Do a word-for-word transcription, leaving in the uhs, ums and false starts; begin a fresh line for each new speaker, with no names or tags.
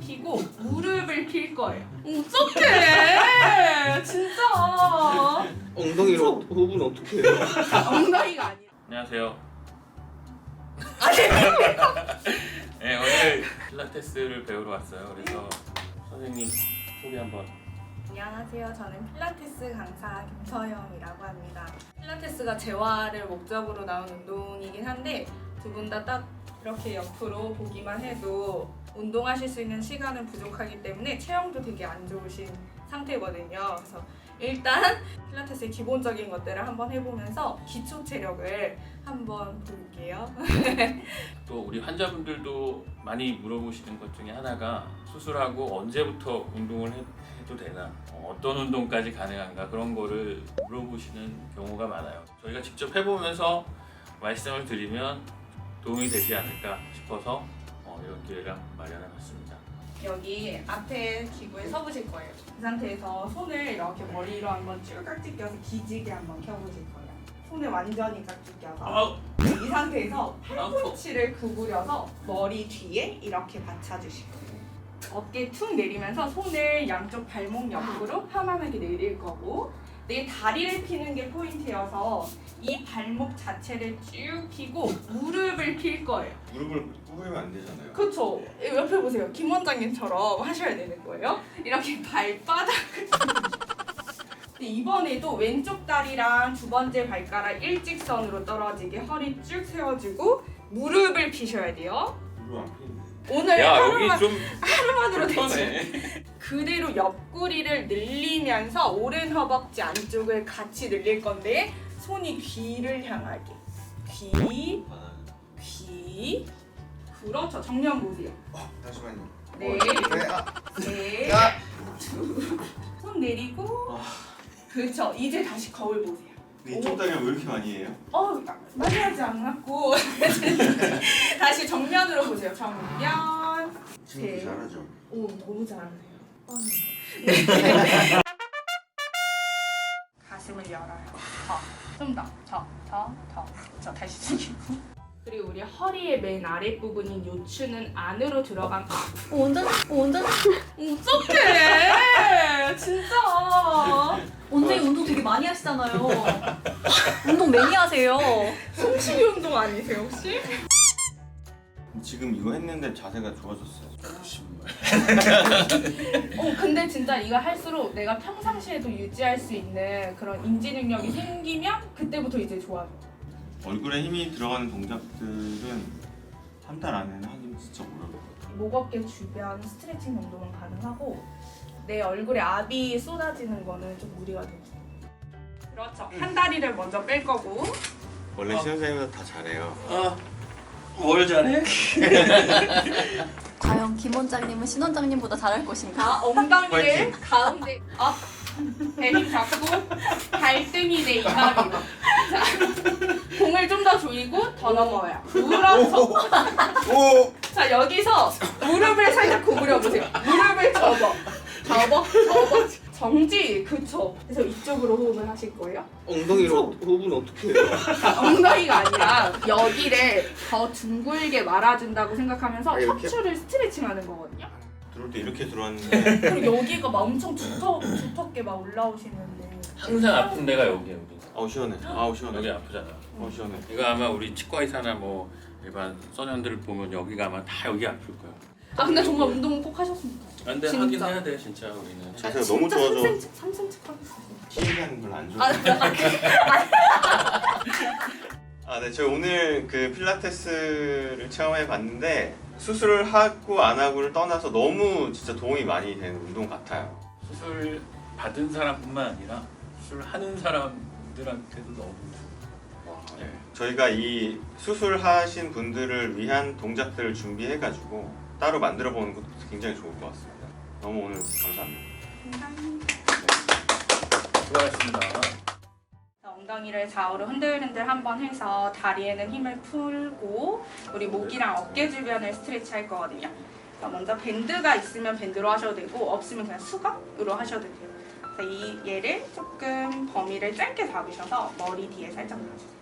피고 무릎을 필 거예요. 어떡해! 진짜.
엉덩이로 호흡은 어떻게 해요?
엉덩이가 아니라.
안녕하세요. 네, 오늘 필라테스를 배우러 왔어요. 그래서 선생님 소개 한번.
안녕하세요. 저는 필라테스 강사 김서영이라고 합니다. 필라테스가 재활을 목적으로 나온 운동이긴 한데 두 분 다 딱 이렇게 옆으로 보기만 해도 운동하실 수 있는 시간은 부족하기 때문에 체형도 되게 안 좋으신 상태거든요. 그래서 일단 필라테스의 기본적인 것들을 한번 해보면서 기초 체력을 한번 볼게요.
또 우리 환자분들도 많이 물어보시는 것 중에 하나가 수술하고 언제부터 운동을 해, 해도 되나, 어, 어떤 운동까지 가능한가, 그런 거를 물어보시는 경우가 많아요. 저희가 직접 해보면서 말씀을 드리면 도움이 되지 않을까 싶어서 어, 이런 기회를 마련해봤습니다.
여기 앞에 기구에 서보실 거예요. 이 상태에서 손을 이렇게 머리로 한번 쭉 깍지 껴서 기지개 한번 켜보실 거예요. 손을 완전히 깍지 껴서
아우.
이 상태에서 팔꿈치를 구부려서 머리 뒤에 이렇게 받쳐주실 거예요. 어깨 툭 내리면서 손을 양쪽 발목 옆으로 편안하게 내릴 거고, 내 다리를 피는 게 포인트여서 이 발목 자체를 쭉 피고 무릎을 필 거예요.
무릎을 꿇으면 안 되잖아요.
그쵸? 옆에 보세요. 김 원장님처럼 하셔야 되는 거예요. 이렇게 발바닥을 이번에도 왼쪽 다리랑 두 번째 발가락 일직선으로 떨어지게 허리 쭉 세워주고 무릎을 피셔야 돼요.
무릎 안 피는데.
오늘
야,
하루만,
여기 좀
하루만으로 되지.
불편해.
그대로 옆구리를 늘리면서 오른 허벅지 안쪽을 같이 늘릴 건데 손이 귀를 향하게. 귀, 귀. 그렇죠. 정면 보세요.
어, 잠시만요.
네.
네, 아,
네.
야.
둘. 손 내리고. 그렇죠. 이제 다시 거울 보세요.
이쪽 다리가 왜 이렇게 많이 해요?
어, 많이 하지 않았고. 다시 정면으로 보세요. 정면.
친구
네.
잘하죠.
오, 너무 잘하네요. 네. 가슴을 열어요. 더, 좀 더, 더, 더, 더. 저 다시 숙이고. 그리고 우리 허리의 맨 아랫 부분인 요추는 안으로 들어간.
어, 완전, 어, 완전.
어떡해! 진짜.
원장님 운동 되게 많이 하시잖아요. 운동 매니아세요.
숨쉬기 운동 아니세요 혹시?
지금 이거 했는데 자세가 좋아졌어요.
어 근데 진짜 이거 할수록 내가 평상시에도 유지할 수 있는 그런 인지 능력이 생기면 그때부터 이제 좋아져.
얼굴에 힘이 들어가는 동작들은 한 달 안에는 하긴 진짜 어려울 것 같아요.
목 어깨 주변 스트레칭 정도는 가능하고 내 얼굴에 압이 쏟아지는 거는 좀 무리가 돼요. 그렇죠. 한 다리를 먼저 뺄 거고.
원래 신원생님보다 다 잘해요.
아, 뭘 잘해?
과연 김 원장님은 신 원장님보다 잘할 것인가?
자, 엉덩이를 가운데 업, 배힘 잡고 발등이 내 이마리로. 자, 공을 좀 더 조이고 더 넘어요. 그렇죠.
오!
자, 여기서 무릎을 살짝 구부려 보세요. 무릎을 접어, 접어, 접어. 정지, 그쵸. 그래서 이쪽으로 호흡을 하실 거예요.
엉덩이로 호흡은 어떻게 해요?
엉덩이가 아니라 여기를 더 둥글게 말아준다고 생각하면서
아, 이렇게?
척추를 스트레칭하는 거거든요.
들어올 때 이렇게 들어왔는데
그리고 여기가 막 엄청 두터, 두텁게 막 올라오시는데
항상 아픈 데가 여기 여기.
아우 시원해. 아우 시원해.
여기 아프잖아.
아우 시원해.
이거 아마 우리 치과 의사나 뭐 일반 소년들을 보면 여기가 아마 다 여기 아플 거야.
아 근데 정말 운동은 꼭 하셨으면 좋겠어요.
근데
진짜.
하긴 해야 돼 진짜 우리는.
자세가 너무 좋아져.
삼 센티미터, 삼 센티미터 하겠어요.
티비 하는 걸 안
아,
좋아해. 아, 네. 저희 오늘 그 필라테스를 체험해 봤는데 수술을 하고 안 하고를 떠나서 너무 진짜 도움이 많이 되는 운동 같아요.
수술 받은 사람뿐만 아니라 수술하는 사람들한테도 너무 좋아.
네. 저희가 이 수술하신 분들을 위한 동작들을 준비해가지고 따로 만들어 보는 것도 굉장히 좋을 것 같습니다. 너무 오늘 감사합니다.
수고하셨습니다.
엉덩이를 좌우로 흔들흔들 한번 해서 다리에는 힘을 풀고 우리 목이랑 어깨 주변을 스트레치 할 거거든요. 그래서 먼저 밴드가 있으면 밴드로 하셔도 되고 없으면 그냥 수건으로 하셔도 돼요. 그래서 이 얘를 조금 범위를 짧게 잡으셔서 머리 뒤에 살짝 놔주세요.